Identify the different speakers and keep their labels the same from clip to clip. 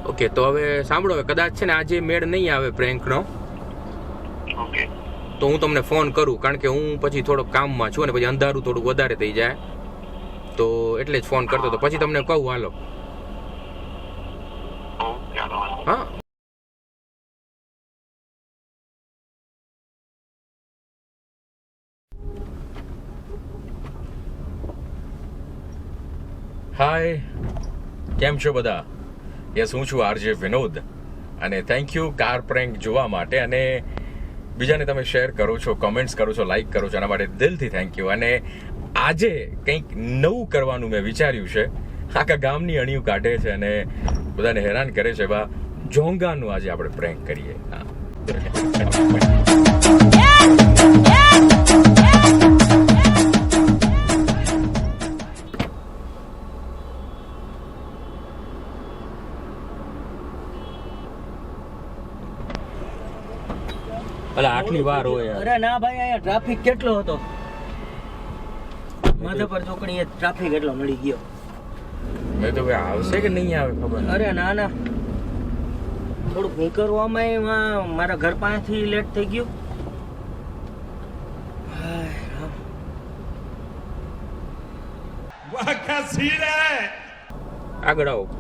Speaker 1: Okay, તો હવે સાંભળો, હવે કદાચ છે ને આજે મેળ નહીં આવે પ્રેન્કનો,
Speaker 2: ઓકે
Speaker 1: તો હું તમને ફોન કરું, કારણ કે હું પછી થોડોક કામમાં છું અને પછી અંધારું થોડુંક વધારે થઈ જાય, તો એટલે જ ફોન કરતો તો પછી તમને કહું. હાલો.
Speaker 2: ઓકે
Speaker 1: હા. હાય, કેમ છો બધા? યસ, હું છું આરજે વિનોદ, અને થેન્ક યુ કાર પ્રેન્ક જોવા માટે, અને બીજાને તમે શેર કરો છો, કમેન્ટ્સ કરો છો, લાઈક કરો છો, એના માટે દિલથી થેન્ક યુ. અને આજે કંઈક નવું કરવાનું મેં વિચાર્યું છે. આખા ગામની અણિયું કાઢે છે અને બધાને હેરાન કરે છે. બા જોંગાનું આજે આપણે પ્રેન્ક કરીએ. હા. અલા આટલી વાર હોય.
Speaker 3: અરે ના ભાઈ, અહીંયા ટ્રાફિક કેટલો હતો. માધાપર ચોકડીએ ટ્રાફિક એટલો મળી ગયો.
Speaker 1: મેં તો ભાઈ આવશે કે નહીં આવે ખબર.
Speaker 3: અરે ના ના, થોડુંક નીકળવામાં એમાં મારા ઘર પાસેથી લેટ થઈ ગયું.
Speaker 4: वाह क्या सीन है।
Speaker 1: આગળ આવો.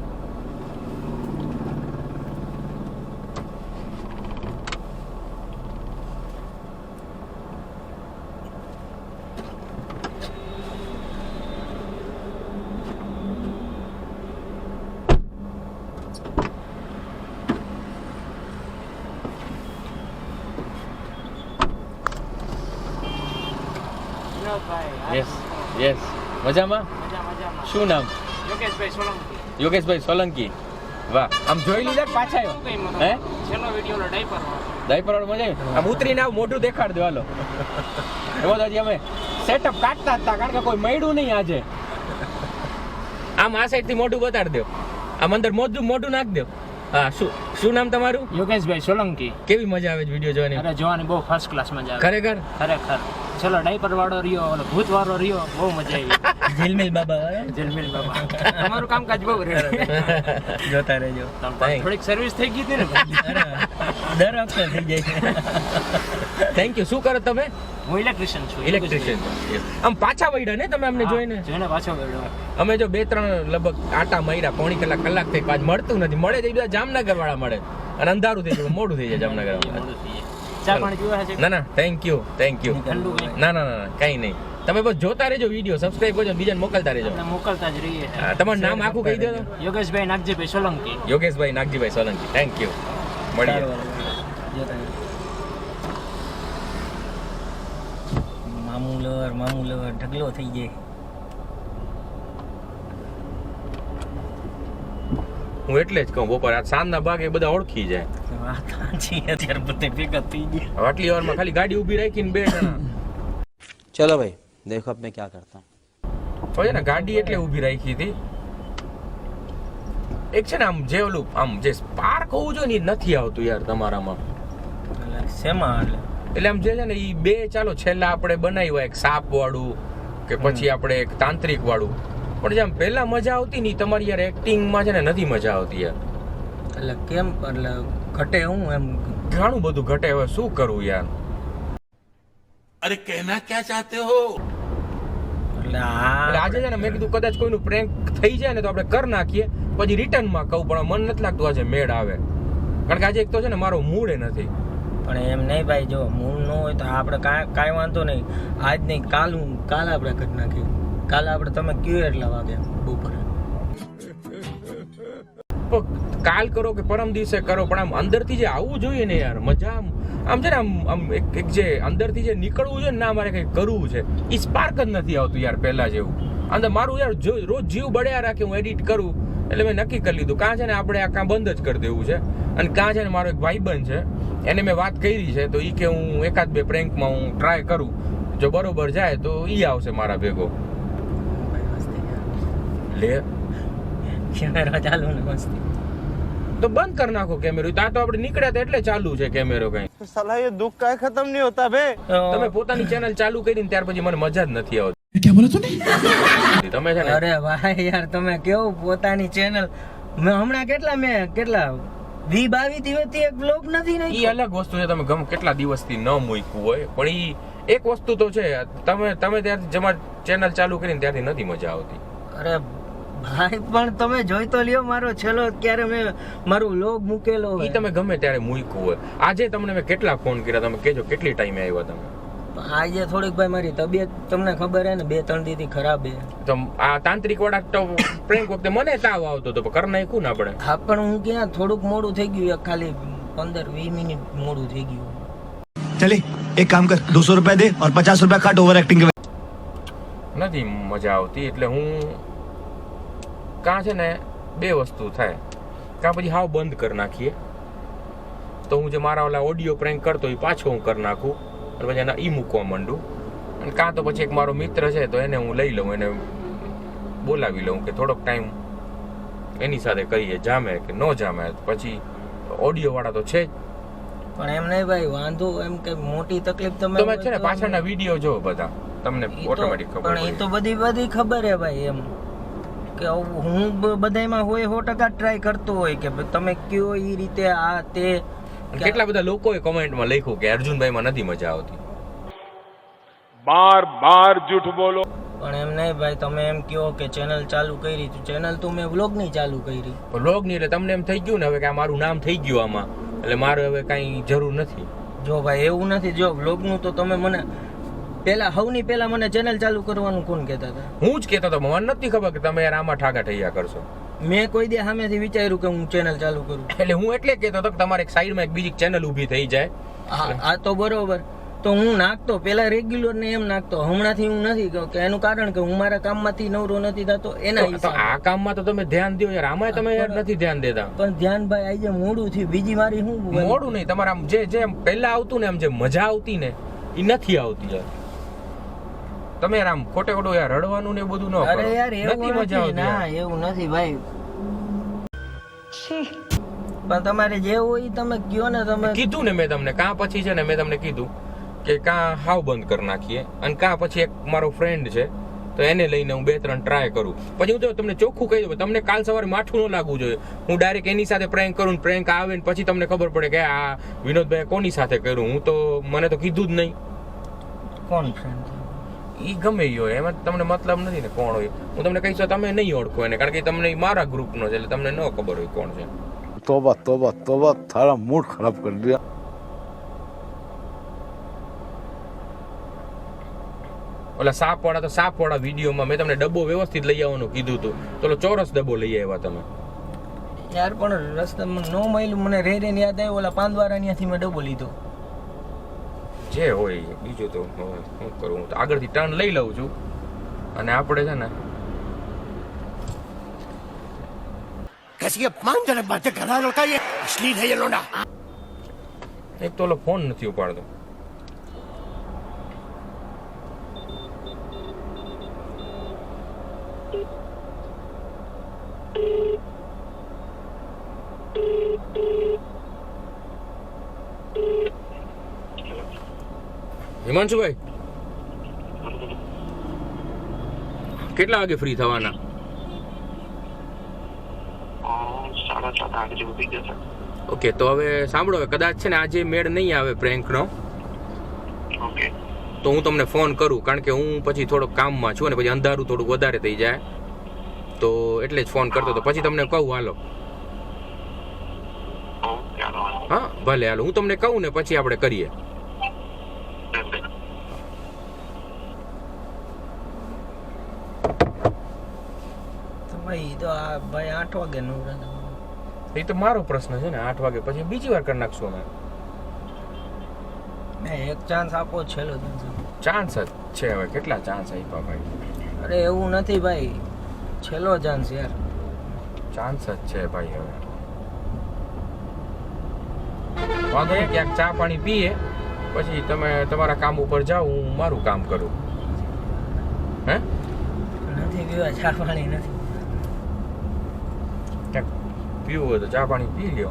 Speaker 1: યસ યસ, મજામાં? શું નામ?
Speaker 3: યોગેશભાઈ સોલંકી.
Speaker 1: યોગેશભાઈ સોલંકી. વાહ, આમ જોઈ લીધા કે પાછા આવ્યો? હે,
Speaker 3: છેલ્લો વિડિયો ડાયપર
Speaker 1: ડાયપર વાળો મજા આવી? આમ ઉતરીને આવ, મોઢું દેખાડ દો. હાલો. એમાં તો હજી અમે સેટઅપ કાઢતા હતા, કારણ કે કોઈ મળ્યું નહીં આજે. આમ આ સાઈડ થી મોઢું બતાડી દો, આમ અંદર મોઢું નાખ દો. હા, શું નામ તમારું?
Speaker 3: યોગેશભાઈ સોલંકી.
Speaker 1: કેવી મજા આવે છે વિડીયો જોવાની?
Speaker 3: અરે જોવાની બહુ ફર્સ્ટ ક્લાસ મજા આવે.
Speaker 1: ખરેખર
Speaker 3: ખરેખર. ચલો ડાયપર વાળો રહ્યો, ઓલો ભૂત વાળો રહ્યો, બહુ મજા આવી. જેલમેલ બાબા. જેલમેલ બાબા. તમારું કામકાજ બહુ રેડી. જોતા રહેજો. થોડીક સર્વિસ થઈ ગઈ હતી ને. દર વખતે થઈ જાય છે.
Speaker 1: Thank you. શું કરો તમે?
Speaker 3: હું ઇલેક્ટ્રિશિયન છું.
Speaker 1: ઇલેક્ટ્રિશિયન. આમ પાછા વળ્યા ને તમે અમને જોઈને?
Speaker 3: જોઈને પાછો ગયો.
Speaker 1: અમે જો 2-3 લગભગ આટા માર્યા, પોણી કલાક થઈ, આજ મળતું નથી. મળે તો બધા જામનગર વાળા મળે, અને અંધારું થઈ જાય, મોડું થઈ જાય જામનગર વાળા.
Speaker 3: ચા પાણી પીવા છે?
Speaker 1: ના થેન્ક યુ. ના કઈ નહીં. તમે બસ જોતા રહેજો વિડીયો, સબસ્ક્રાઇબ કરજો, બીજાને મોકલતા રહેજો.
Speaker 3: મોકલતા જ રહીએ.
Speaker 1: તમારું નામ આખું કહી દો.
Speaker 3: યોગેશભાઈ નાગજીભાઈ સોલંકી.
Speaker 1: યોગેશભાઈ નાગજીભાઈ સોલંકી. Thank you. મળીએ.
Speaker 3: મામુલર ઢગલો થઈ જાય.
Speaker 1: હું એટલે જ કહું, બપોર આ સાંજના ભાગે બધા ઓળખી જાય.
Speaker 3: અત્યારે બધે ભેગા થઈ ગયા.
Speaker 1: આટલી વારમાં ખાલી ગાડી ઊભી રાખીને 2 જણા.
Speaker 5: चलो भाई देखो अब मैं क्या करता हूँ.
Speaker 1: હોય ને, ગાડી એટલે ઊભી રાખી હતી. એક છે ને આમ જે ઓલું આમ જે સ્પાર્ક હોવું જોઈએ ને, એ નથી આવતું યાર તમારામાં.
Speaker 3: શેમાં?
Speaker 1: એટલે આમ જે છે ને એ 2 ચાલો છેલ્લા આપણે બનાવ્યા, એક સાપ વાળું કે પછી આપણે એક તાંત્રિક વાળું, પણ જેમ પહેલા મજા આવતી ને તમારી યાર એક્ટિંગમાં છે ને નથી મજા આવતી યાર.
Speaker 3: એટલે કેમ? એટલે ઘટે હું એમ
Speaker 1: ઘણું બધું ઘટે. હવે શું કરવું યાર?
Speaker 4: अरे कहना क्या चाहते हो।
Speaker 3: એટલે
Speaker 1: આજે છે ને મેં કીધું કદાચ કોઈનું પ્રેન્ક થઈ જાય ને તો આપણે કરી નાખીએ, પછી રિટર્નમાં કહું, પણ મન નથી લાગતું આજે મેળ આવે, કારણ કે આજે એક તો છે ને મારો મૂડ નથી.
Speaker 3: પણ એમ નહીં ભાઈ, જો મૂળ ન હોય તો આપણે કાંઈ વાંધો નહીં. આજ નહીં, કાલ આપણે કરી નાખીએ. કાલે આપણે તમે કયો એટલા વાગે બપોરે.
Speaker 1: કાલ કરો કે પરમ દિવસે કરો, પણ આમ અંદરથી જે આવવું જોઈએ ને યાર, મજા આમ છે ને આમ એક જે અંદરથી જે નીકળવું છે ને, ના મારે કંઈક કરવું છે, એ સ્પાર્ક જ નથી આવતું યાર પહેલા જેવું. અંદર મારું યાર રોજ જીવ બળ્યા રાખે, હું એડિટ કરું એટલે મેં નક્કી કરી લીધું કાં છે ને આપણે આ કાં બંધ જ કરી દેવું છે. અને કાં છે ને મારો એક ભાઈબંધ છે, એને મેં વાત કરી છે, તો એ કે હું 1-2 પ્રેન્કમાં હું ટ્રાય કરું, જો બરોબર જાય તો એ આવશે મારા ભેગો. લે
Speaker 3: કેમેરા ચાલુ ને મસ્તી
Speaker 1: તો બંધ કરી નાખો કેમેરો. ત્યાં તો આપણે નીકળ્યા હતા એટલે ચાલુ છે કેમેરો. કઈ
Speaker 5: साला ये दुख का खत्म नहीं होता बे.
Speaker 1: તમે પોતાની ચેનલ ચાલુ કરીને ત્યાર પછી મને મજા જ નથી આવતી.
Speaker 4: क्या बोला तूने?
Speaker 1: તમે છે ને
Speaker 3: અરે ભાઈ યાર, તમે કેવું પોતાની ચેનલ મેં હમણાં કેટલા 20-22 દિવસથી એક બ્લોગ નથી
Speaker 1: ઈ
Speaker 3: નાખ્યો.
Speaker 1: અલગ વસ્તુ છે, તમે ગમે કેટલા દિવસથી ન મૂક્યું હોય, પણ ઈ એક વસ્તુ તો છે, તમે ત્યારથી તમારી ચેનલ ચાલુ કરીને ત્યારથી નથી મજા આવતી.
Speaker 3: અરે ભાઈ પણ તમે જોઈ તો લ્યો મારો છેલ્લો ક્યારે મેં મારો બ્લોગ મૂકેલો
Speaker 1: ઈ
Speaker 3: હોય.
Speaker 1: તમે ગમે ત્યારે મૂક્યું હોય. આજે તમને મેં કેટલા ફોન કર્યા, તમે કહેજો કેટલી ટાઈમે આવ્યા તમે.
Speaker 3: આજે થોડીક ભાઈ મારી તબિયત તમને ખબર હે ને 2-3 દીથી ખરાબ હે.
Speaker 1: તો આ તાંત્રિક વાળા તો પ્રેન્ક વખતે મને તાવ આવતો હતો, પણ કર નાખ્યું ને આપણે.
Speaker 3: હા પણ હું ક્યાં થોડુંક મોડું થઈ ગયું, ખાલી 15-20 મિનિટ મોડું થઈ ગયું.
Speaker 6: चले एक काम कर 200 रुपए दे और 50 रुपए काट ओवर एक्टिंग के.
Speaker 1: નથી મજા આવતી, એટલે હું કાં છે ને બે વસ્તુ થાય, કાં પછી હાવ બંધ કરી નાખીએ, તો હું જે મારા ઓલા ઓડિયો પ્રેન્ક કરતો એ પાછો હું કરી નાખું અને પછી એના ઈ મૂકવા માંડું, અને કાં તો પછી એક મારો મિત્ર છે તો એને હું લઈ લઉં, એને બોલાવી લઉં કે થોડોક ટાઈમ એની સાથે કરીએ, જામે કે ન જામે. પછી ઓડિયો વાળા તો છે જ.
Speaker 3: પણ એમ નહીં ભાઈ, વાંધો એમ કે મોટી તકલીફ
Speaker 1: તમે છે ને પાછળના વિડીયો જો બધા, તમને ઓટોમેટિક ખબર
Speaker 3: પણ એ તો
Speaker 1: પડી.
Speaker 3: બધી ખબર હે ભાઈ, એમ કે હું બધામાં હોય 100% ટ્રાય કરતો હોય કે તમે કયો એ રીતે આ તે.
Speaker 1: અને કેટલા બધા લોકોએ કમેન્ટમાં લખ્યું કે અર્જુનભાઈમાં નથી મજા આવતી.
Speaker 2: बार झूठ बोलो.
Speaker 3: પણ એમ નહીં ભાઈ, તમે એમ કયો કે ચેનલ ચાલુ કરી, તો ચેનલ તો મેં વ્લોગની ચાલુ કરી.
Speaker 1: વ્લોગ ની એટલે તમને એમ થઈ ગયું ને હવે કે આ મારું નામ થઈ ગયું આમાં, એટલે મારે હવે કઈ જરૂર નથી.
Speaker 3: જો ભાઈ એવું નથી, જો વ્લોગનું તો તમે મને સૌની પહેલા મને ચેનલ ચાલુ કરવાનું કોણ કહેતા હતા?
Speaker 1: હું જ કહેતો હતો, મને નથી ખબર કે તમે યાર આમાં ઠાકા ઠૈયા કરશો.
Speaker 3: મેં કોઈ દે સામેથી વિચાર્યું કે હું ચેનલ ચાલુ કરું.
Speaker 1: એટલે હું એટલે કહેતો હતો કે તમારે એક સાઈડમાં એક બીજી ચેનલ ઊભી થઈ જાય.
Speaker 3: આ તો બરોબર, તો હું નાખતો પેલા રેગ્યુલર ને એમ નાખતો, હમણાંથી હું નથી કે એનું કારણ કે હું મારા કામમાંથી નવરો નથી થતો એના
Speaker 1: તો
Speaker 3: હિસાબે.
Speaker 1: આ કામમાં તો તમે ધ્યાન દો યાર, આમાં તમે યાર નથી ધ્યાન દેતા.
Speaker 3: પણ ધ્યાન ભાઈ આજે મોડું થયું, બીજી મારી શું
Speaker 1: મોડું નહીં, તમારે આમ જે પહેલા આવતું ને આમ જે મજા આવતી ને એ નથી આવતી યાર. તમે યાર આમ ખોટે ખોટું યાર રડવાનું ને એ બધું ન કરો.
Speaker 3: અરે યાર એવું
Speaker 1: નથી મજા
Speaker 3: નથી,
Speaker 1: આવતી
Speaker 3: ના
Speaker 1: યાર.
Speaker 3: એવું નથી ભાઈ. પણ તમારે જે હોય ઈ તમે કયો ને, તમે
Speaker 1: કીધું ને મેં તમને, કાં પછી છે ને મેં તમને કીધું કે કાં હાવ બંધ કરી નાખીએ, અને કાં પછી એક મારો ફ્રેન્ડ છે તો એને લઈને હું 2-3 ટ્રાય કરું. પછી હું તો તમને ચોખ્ખું કહી દઉં, તમને કાલ સવારે માઠું ન લાગવું જોઈએ. હું ડાયરેક્ટ એની સાથે પ્રેન્ક કરું, પ્રેન્ક આવે ને પછી તમને ખબર પડે કે આ વિનોદભાઈ કોની સાથે કર્યું. હું તો મને તો કીધું જ નહીં.
Speaker 3: કોણ ફ્રેન્ડ?
Speaker 1: ઈ ગમે ઈ હોય, એમાં તમને મતલબ નથી ને કોણ હોય. હું તમને કહીશ તો તમે નહીં ઓળખો એને, કારણ કે તમને ઈ મારા ગ્રુપનો છે એટલે તમને ન ખબર હોય કોણ છે.
Speaker 7: तौबा तौबा तौबा थारा मूड खराब कर दिया.
Speaker 1: ઓલા સાપવાળા તો સાપવાળા વિડીયોમાં મેં તમને ડબ્બો વ્યવસ્થિત લઈ આવવાનું કીધું હતું, તો ચોરસ ડબ્બો લઈ આવ્યા તમે.
Speaker 3: યાર પણ રસ્તામાં નો મળ્યું, મને રે યાદ આવ્યું, ઓલા પાંદવારા ત્યાંથી મેં ડબ્બો લીધો.
Speaker 1: જે હોય બીજું તો હવે શું કરું, હું તો આગળથી ટર્ન લઈ લઉં છું. અને આપણે છે ને
Speaker 6: कैसी अपमानजनक बातें कर रहा है लड़का, ये अश्लील है ये लोना.
Speaker 1: એક તો ઓલો ફોન નથી ઉપાડતો. હિમાંશુભાઈ કેટલા વાગે ફ્રી થવાના?
Speaker 2: 7:30 જેવું થઈ જશે.
Speaker 1: ઓકે, તો હવે સાંભળો, કદાચ છે ને આજે મેળ નહીં આવે પ્રેન્કનો,
Speaker 2: ઓકે
Speaker 1: તો હું તમને ફોન કરું, કારણ કે હું પછી થોડોક કામમાં છું અને પછી અંધારું થોડુંક વધારે થઈ જાય, તો એટલે જ ફોન કરતો હતો. પછી તમને કહું હાલો.
Speaker 2: ઓકે હાલો.
Speaker 1: હા ભલે હાલો, હું તમને કહું ને પછી આપણે કરીએ.
Speaker 3: ભાઈ તો આ ભાઈ 8 વાગે નવરા.
Speaker 1: એ તો મારો પ્રશ્ન છે ને, 8 વાગે પછી બીજી વાર કરી નાખશું અમે.
Speaker 3: એક ચાન્સ આપો, છેલ્લો
Speaker 1: ચાન્સ જ છે, હવે કેટલા ચાન્સ આપ્યા ભાઈ?
Speaker 3: અરે એવું નથી ભાઈ, છેલ્લો ચાન્સ યાર.
Speaker 1: ચાન્સ જ છે ભાઈ. હવે વાંધો નહીં, ક્યાંક ચા પાણી પીએ, પછી તમે તમારા કામ ઉપર જાઓ, હું મારું કામ કરું. હે
Speaker 3: નથી પીવા ચા પાણી નથી.
Speaker 1: ક્યાંક પીવું હોય તો ચા પાણી પી લ્યો.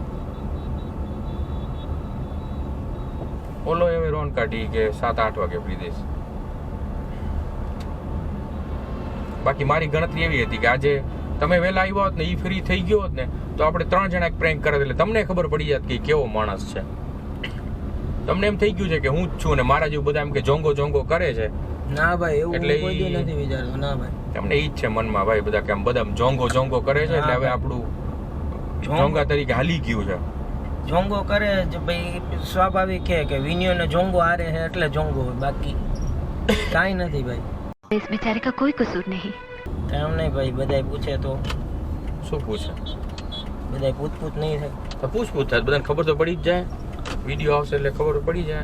Speaker 1: ઓલો હવે રોન કાઢી કે 7-8 વાગે પી દઈશ. બાકી મારી ગણતરી એવી હતી કે આજે તમે વહેલા આવ્યા હોત ને એ ફ્રી થઈ ગયો હોત ને તો આપણે 3 જણા એક પ્રેન્ક કરે એટલે તમને ખબર પડી જાત કે ઈ કેવો માણસ છે. તમને એમ થઈ ગયું છે કે હું જ છું ને મારા જેવું બધા એમ કે જોંગો જોંગો કરે છે.
Speaker 3: ના ભાઈ એવું
Speaker 1: એટલે
Speaker 3: કોઈ દી
Speaker 1: ઈ-
Speaker 3: નથી વિચારતો. ના ભાઈ
Speaker 1: એમને ઈ જ છે મનમાં ભાઈ બધા કે આમ બધા જોંગો જોંગો કરે છે એટલે હવે આપણું જોંગા તરીકે હાલી ગયું છે.
Speaker 3: જોંગો કરે છે ભાઈ, સ્વાભાવિક છે કે વિનિયોને જોંગો હારે છે એટલે જોંગો હોય, બાકી કાંઈ નથી ભાઈ.
Speaker 8: इस बेचारे का कोई कसूर नहीं.
Speaker 3: કામ નહીં ભાઈ, બધાય પૂછે તો
Speaker 1: શું પૂછે
Speaker 3: બધાય પૂછ નહીં થાય.
Speaker 1: તો પૂછ થાય બધાને ખબર તો પડી જ જાય. વિડીયો આવશે એટલે ખબર પડી જાય.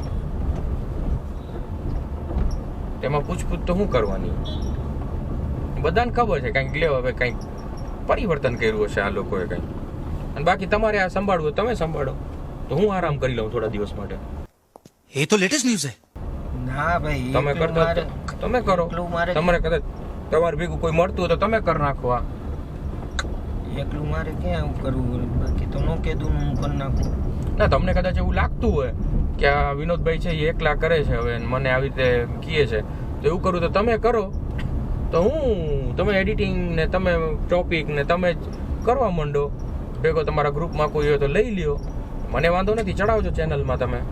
Speaker 1: તેમાં પૂછપૂછ તો શું કરવાની? બધાને ખબર છે કંઈક લેવો હવે કંઈક પરિવર્તન કર્યું હશે આ લોકોએ કંઈક. અને બાકી તમારે આ સંભાળવું હોય તમે સંભાળો, તો હું આરામ કરી લઉં થોડા દિવસ માટે.
Speaker 6: ये तो लेटेस्ट न्यूज है.
Speaker 3: ના ભાઈ
Speaker 1: તમે
Speaker 3: એકલું
Speaker 1: કરતા
Speaker 3: મારે-
Speaker 1: તમે કરો.
Speaker 3: એકલું મારે
Speaker 1: તમારે કદાચ તમારે ભેગું કોઈ મળતું હોય તો તમે કરી નાખો. આ
Speaker 3: એકલું મારે ક્યાં એવું કરવું, બાકી તો નો કીધું હું કરી નાખું.
Speaker 1: ના તમને કદાચ એવું લાગતું હોય કે આ વિનોદભાઈ છે એ એકલા કરે છે હવે અને મને આવી રીતે કહે છે તો એવું કરું તો તમે કરો, તો તમે એડિટિંગ ને તમે ટોપિક ને તમે જ કરવા માંડો. ભેગો તમારા ગ્રુપમાં કોઈ હોય તો લઈ લ્યો, મને વાંધો નથી, ચડાવજો ચેનલમાં તમે.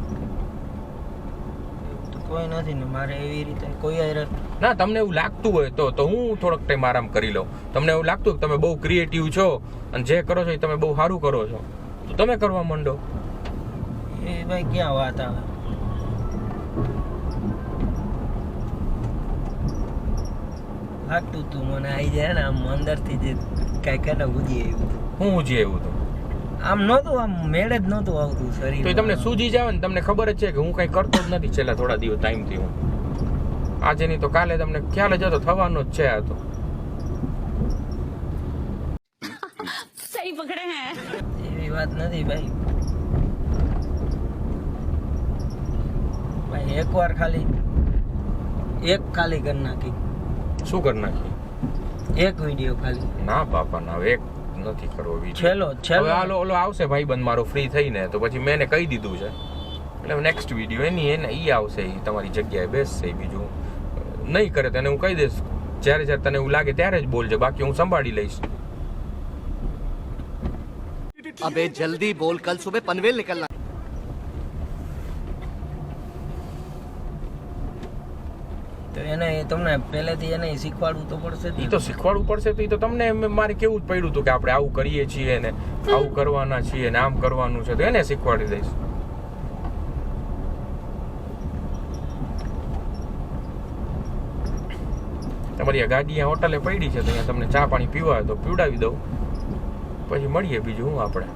Speaker 3: તો કોઈ નથી ને મારે એવી રીતે કોઈ હારે
Speaker 1: ના તમને એવું લાગતું હોય તો હું થોડોક ટાઈમ આરામ કરી લઉં. તમને એવું લાગતું હોય કે તમે બહુ ક્રિએટિવ છો અને જે કરો છો એ તમે બહુ સારું કરો છો તો તમે કરવા માંડો.
Speaker 3: એ ભાઈ ક્યાં વાત આવે. લાગતું તું મને આવી જાય ને આમ અંદરથી જે કાંઈ કાંઈ ઉજી આવ્યું.
Speaker 1: હું જે એવું તો
Speaker 3: આમ નહોતું, આમ મેળ જ નહોતું આવતું શરીર.
Speaker 1: તો એ તમને સૂજી જાવ ને તમને ખબર જ છે કે હું કંઈ કરતો જ નથી છેલ્લા થોડા દિવસ ટાઈમથી. હું આજે નહીં તો કાલે તમને ખ્યાલ જ હતો થવાનો જ છે. આ તો
Speaker 8: सही पकड़े हैं.
Speaker 3: એવી વાત નથી ભાઈ. ભાઈ એકવાર ખાલી કરી નાખી,
Speaker 1: શું કરી નાખી?
Speaker 3: એક વિડીયો ખાલી.
Speaker 1: ના બાપા ના, હવે એક નથી કરવો video.
Speaker 3: છેલ્લો
Speaker 1: હવે ઓલો આવશે ભાઈબંધ મારો ફ્રી થઈને તો પછી મેં એને કહી દીધું છે એટલે નેક્સ્ટ વિડીયો એને ઈ આવશે, ઈ તમારી જગ્યાએ બેસશે. બીજું નહીં કરે તો એને હું કહી દઈશ જ્યારે જ્યારે તને એવું લાગે ત્યારે જ બોલજે, બાકી હું સંભાળી લઈશ.
Speaker 6: अबे जल्दी बोल, कल सुबह पनवेल निकलना.
Speaker 3: તો એને તમને પહેલેથી એને શીખવાડવું તો પડશે જ ને.
Speaker 1: ઈ તો શીખવાડવું પડશે તો ઈ તો તમને મારે કેવું જ પડ્યું હતું કે આપણે આવું કરીએ છીએ ને આવું કરવાના છીએ ને આમ કરવાનું છે તો એને શીખવાડી દઈશ. તમારી આ ગાડી અહીંયા હોટલે પડી છે તો અહીંયા તમને ચા પાણી પીવા હોય તો પીવડાવી દઉં, પછી મળીએ. બીજું હું આપણે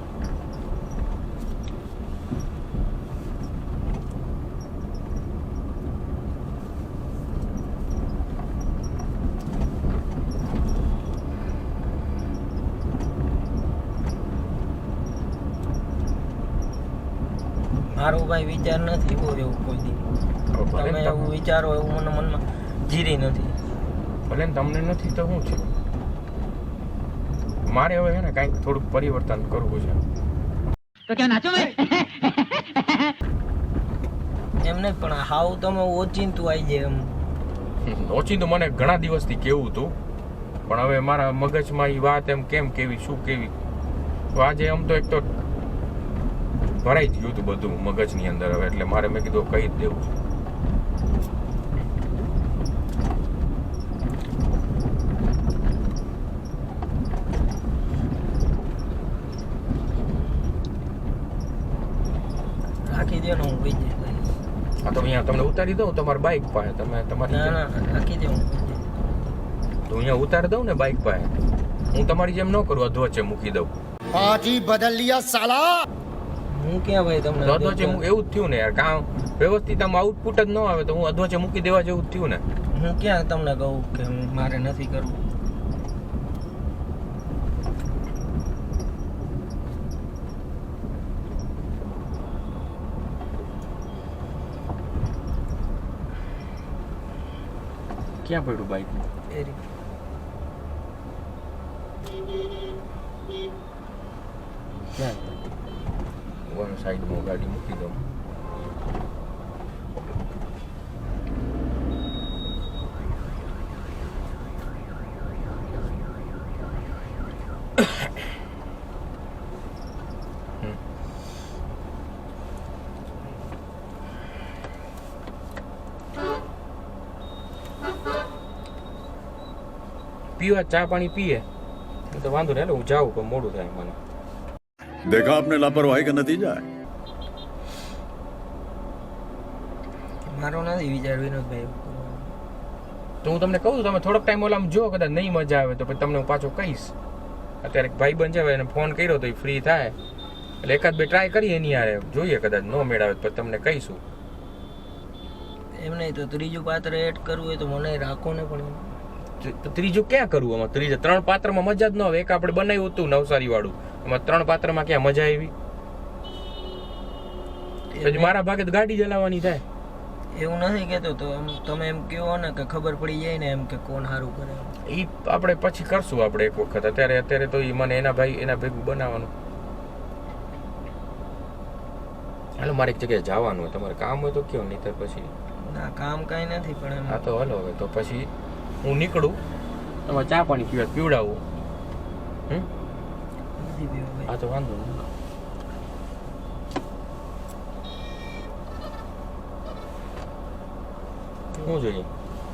Speaker 3: મારો ભાઈ વિચાર નથી એવો એવું કોઈ દી. તમે એવું વિચારો એવું મને મનમાં જીરી નથી.
Speaker 1: ભલે ને તમને નથી તો શું છે, મારે હવે છે ને કાંઈક થોડુંક પરિવર્તન કરવું છે.
Speaker 8: तो क्या नाचो मैं.
Speaker 3: એમ નહીં પણ હાવ તમે ઓચિંતું આવી જાય એમ.
Speaker 1: ઓછી તો મને ઘણા દિવસથી કેવું હતું પણ હવે મારા મગજમાં એ વાત એમ કેમ કેવી શું કેવી તો આજે આમ તો એક તો ભરાઈ જ ગયું હતું બધું મગજની અંદર હવે એટલે મારે મેં કીધું કહી જ દેવું છે.
Speaker 3: રાખી દે ને હું વહી જાય ભાઈ.
Speaker 1: આ તો અહીંયા તમને ઉતારી દઉં તમારી બાઇક પાસે, તમે તમારી
Speaker 3: ના
Speaker 1: જેમ-
Speaker 3: ના રાખી દે હું વહી જાય.
Speaker 1: તો અહીંયા ઉતારી દઉં ને બાઇક પાસે. હું તમારી જેમ ન કરું અધવચ્ચે મૂકી દઉં.
Speaker 6: पार्टी बदल लिया साला.
Speaker 3: હું ક્યાં ભાઈ તમને
Speaker 1: તો અધવચ્ચે એવું જ થયું ને યાર, કામ વ્યવસ્થિત આમ આઉટપુટ જ ન આવે તો હું અધવચ્ચે મૂકી દેવા જેવું જ થયું ને.
Speaker 3: હું ક્યાં તમને કહું કે મારે નથી કરવું.
Speaker 1: ક્યાં પડ્યું બાઇક?
Speaker 3: એ રીતે.
Speaker 1: ક્યાં સાઈડમાં ગાડી મૂકી દઉં. પીવા ચા પાણી પીએ તો વાંધો નહીં, હું જાઉં પણ મોડું થાય મને.
Speaker 7: देखा आपने लापरवाही का नतीजा है.
Speaker 3: મારો નથી વિચાર વિનોદભાઈ.
Speaker 1: તો હું તમને કહું છું, તમે થોડોક ટાઈમ ઓલામ જો, કદાચ નહીં મજા આવે તો પછી તમને હું પાછો કહીશ. અત્યારે એક ભાઈબંધ છે, એને ફોન કર્યો તો એ ફ્રી થાય એટલે એકાદ બે ટ્રાય કરીએ એની યારે, જોઈએ કદાચ ન મેળાવે તો તમને કહીશું.
Speaker 3: એમ નહીં તો ત્રીજું પાત્ર એડ કરવું હોય તો મને રાખો ને. પણ
Speaker 1: તો ત્રીજું ક્યાં કરવું આમાં? ત્રીજા 3 પાત્રમાં મજા જ ન આવે. એક આપણે બનાવ્યું હતું નવસારી વાળું, એમાં 3 પાત્રમાં ક્યાં મજા આવી? પછી મારા ભાગે તો ગાડી ચલાવવાની થાય.
Speaker 3: એવું નથી કેતો તો તમે એમ કહો ને કે ખબર પડી જાય ને એમ કે કોણ સારું કરે.
Speaker 1: એ આપણે પછી કરશું આપણે એક વખત. અત્યારે તો એ મને એના ભેગું બનાવવાનું. હાલો મારે એક જગ્યાએ જવાનું હોય, તમારે કામ હોય તો કયો, નહીં તો પછી
Speaker 3: ના કામ કાંઈ નથી પણ
Speaker 1: હા તો હાલો હવે તો પછી હું નીકળું, તમારે ચા પાણી પીવડાવું. હા તો વાંધો નહીં. શું જોઈએ?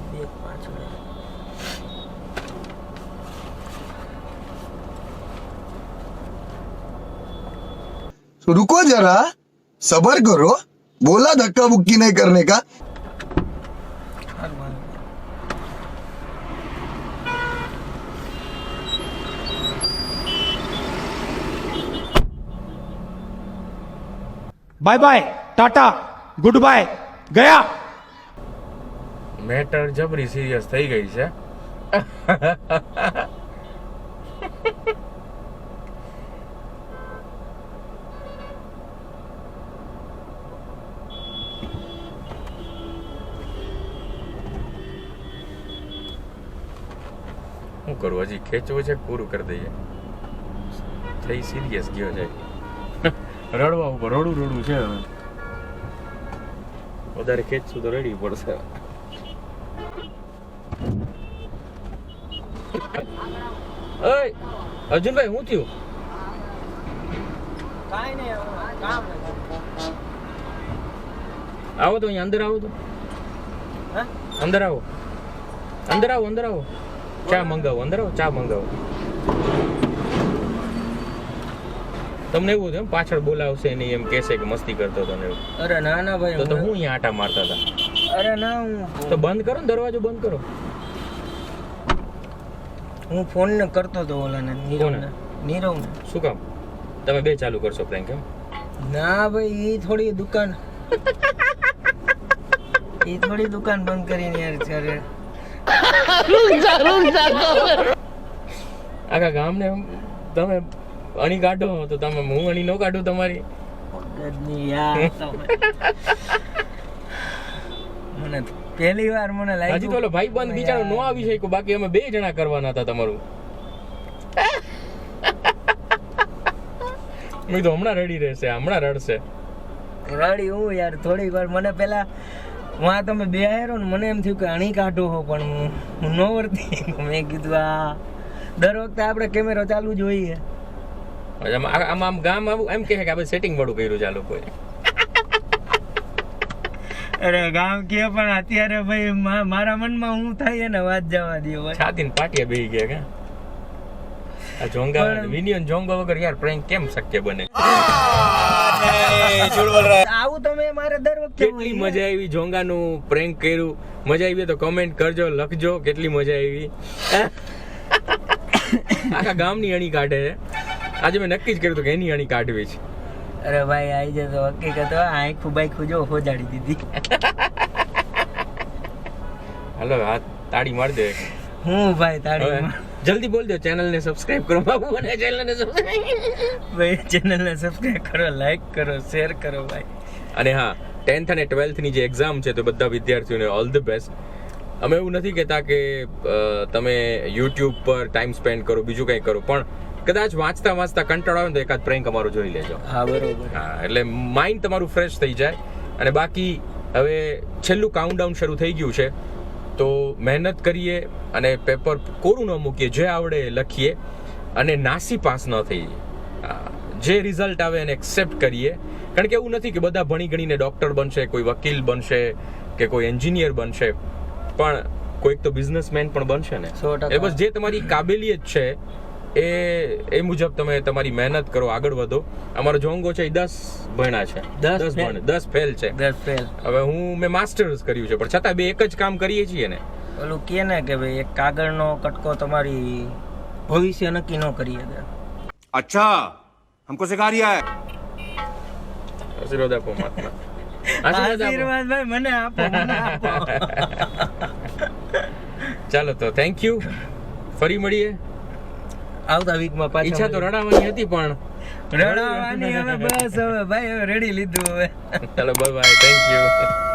Speaker 9: रुको जरा सबर करो, बोला धक्का मुक्की नहीं करने का.
Speaker 6: Bye bye tata good bye गया.
Speaker 1: મેટર જબરી સિરિયસ થઈ ગઈ છે. શું કરું, હજી ખેંચવું છે, પૂરું કરી દઈએ. થઈ સિરિયસ ગયો છે, રડવા ઉપર રડું છે. હવે વધારે ખેંચશું તો રડવી પડશે. ઓય અર્જુનભાઈ, શું થયું?
Speaker 3: કાંઈ નહીં, કામ
Speaker 1: આવો તો અહીંયા અંદર આવો તો. અંદર આવો. ચા મંગાવો. અંદર આવો, ચા મંગાવો. તમને એવું થયું પાછળ બોલાવશે નહીં એમ કહેશે કે મસ્તી કરતો હતો ને એવું?
Speaker 3: અરે ના ના ભાઈ,
Speaker 1: તો હું અહીંયા આટા મારતા હતા.
Speaker 3: અરે ના હું
Speaker 1: તો બંધ કરો ને, દરવાજો બંધ કરો.
Speaker 3: હું ફોન ને કરતો હતો ઓલાને નીરવને.
Speaker 1: શું કામ? તમે બે ચાલુ કરશો પ્રેન્ક એમ?
Speaker 3: ના ભાઈ, એ થોડી દુકાન બંધ કરીને યાર ચારે
Speaker 1: આખા ગામને તમે અણી કાઢો તો તમે હું અણી ન કાઢું તમારી.
Speaker 3: મને પહેલી વાર મને લાગ્યું
Speaker 1: હજી તો ઓલો ભાઈ બંધ બિચારો નો આવી શક્યો, બાકી અમે 2 જણા કરવાના હતા તમારું. મેં તો હમણાં રડી રહેશે, હમણાં રડશે.
Speaker 3: રડી હું યાર થોડીક વાર. મને પેલા વાં તમે બે આયરો ને મને એમ થયું કે અણી કાઢો હો, પણ હું ન વર્તી. મેં કીધું આ દર વખતે આપણે કેમેરો ચાલુ જોઈએ.
Speaker 1: આમ ગામ આવું એમ કહે કે આપણે સેટિંગ વાળું કર્યું છે આ લોકોએ.
Speaker 3: અરે ગામ કે પણ અત્યારે ભાઈ મારા મનમાં હું થાય ને વાત જવા દો ભાઈ.
Speaker 1: છાતીને પાટિયા બેહી ગયા કે આ જોંગા વિનિયન જોંગા વગર યાર પ્રેન્ક કેમ શક્ય બને?
Speaker 3: આવું તમે મારે દર વખતે
Speaker 1: કેટલી મજા આવી જોંગાનું પ્રેન્ક કર્યું. મજા આવી તો કમેન્ટ કરજો, લખજો કેટલી મજા આવી. આખા ગામની અણી કાઢે છે. આજે મેં નક્કી જ કર્યું હતું કે એની અણી કાઢવી છે.
Speaker 3: અરે ભાઈ આવી જતો હકીકત આખું બાઈક જો હોજાડી દીધી.
Speaker 1: હાલો હાથ તાળી માર દે.
Speaker 3: હું ભાઈ તાળી
Speaker 1: જલ્દી બોલ દો, ચેનલને સબસ્ક્રાઇબ કરો બાબુ, અને ચેનલને સબસ્ક્રાઇબ
Speaker 3: ભાઈ, ચેનલને સબસ્ક્રાઇબ કરો, લાઈક કરો, શેર કરો ભાઈ.
Speaker 1: અને હા, 10th અને 12th ની જે એક્ઝામ છે તો બધા વિદ્યાર્થીઓને ઓલ ધ બેસ્ટ. અમે એવું નથી કહેતા કે તમે યુટ્યુબ પર ટાઈમ સ્પેન્ડ કરો, બીજું કંઈ કરો, પણ કદાચ વાંચતા કંટાળો આવે તો એકાદ પ્રેન્ક અમારું જોઈ લેજો.
Speaker 3: હા બરોબર.
Speaker 1: હા, એટલે માઇન્ડ તમારું ફ્રેશ થઈ જાય. અને બાકી હવે છેલ્લું કાઉન્ટડાઉન શરૂ થઈ ગયું છે, તો મહેનત કરીએ અને પેપર કોરું ન મૂકીએ, જે આવડે લખીએ અને નાસી પાસ ન થઈએ. જે રિઝલ્ટ આવે એને એક્સેપ્ટ કરીએ. કારણ કે એવું નથી કે બધા ભણી ગણીને ડૉક્ટર બનશે, કોઈ વકીલ બનશે કે કોઈ એન્જિનિયર બનશે, પણ કોઈક તો બિઝનેસમેન પણ બનશે ને.
Speaker 3: 100%.
Speaker 1: એ બસ જે તમારી કાબેલિયત છે એ મુજબ તમે તમારી મહેનત કરો, આગળ વધો. અમારો જોંગો છે એ 10 ભણ્યા છે, 10 ફેલ છે.
Speaker 3: 10 ફેલ.
Speaker 1: હવે મેં માસ્ટર્સ કર્યું છે, પણ છતાં બે એક જ કામ કરીએ છીએ ને.
Speaker 3: ઓલું કે ને કે ભાઈ એક કાગળનો કટકો તમારી ભવિષ્ય નક્કી ન કરી શકે.
Speaker 4: अच्छा हमको सिखा रिया है.
Speaker 1: આશીર્વાદ આપો મહાત્મા.
Speaker 3: આશીર્વાદ ભાઈ મને આપો.
Speaker 1: ચાલો તો થેન્ક યુ, ફરી મળીએ
Speaker 3: આવતા વીકમાં પાછા.
Speaker 1: ઈચ્છા તો રડાવાની હતી પણ
Speaker 3: રડાવાની હવે બસ હવે ભાઈ હવે રેડી લીધું હવે.
Speaker 1: ચાલો બાય બાય, થેન્ક યુ.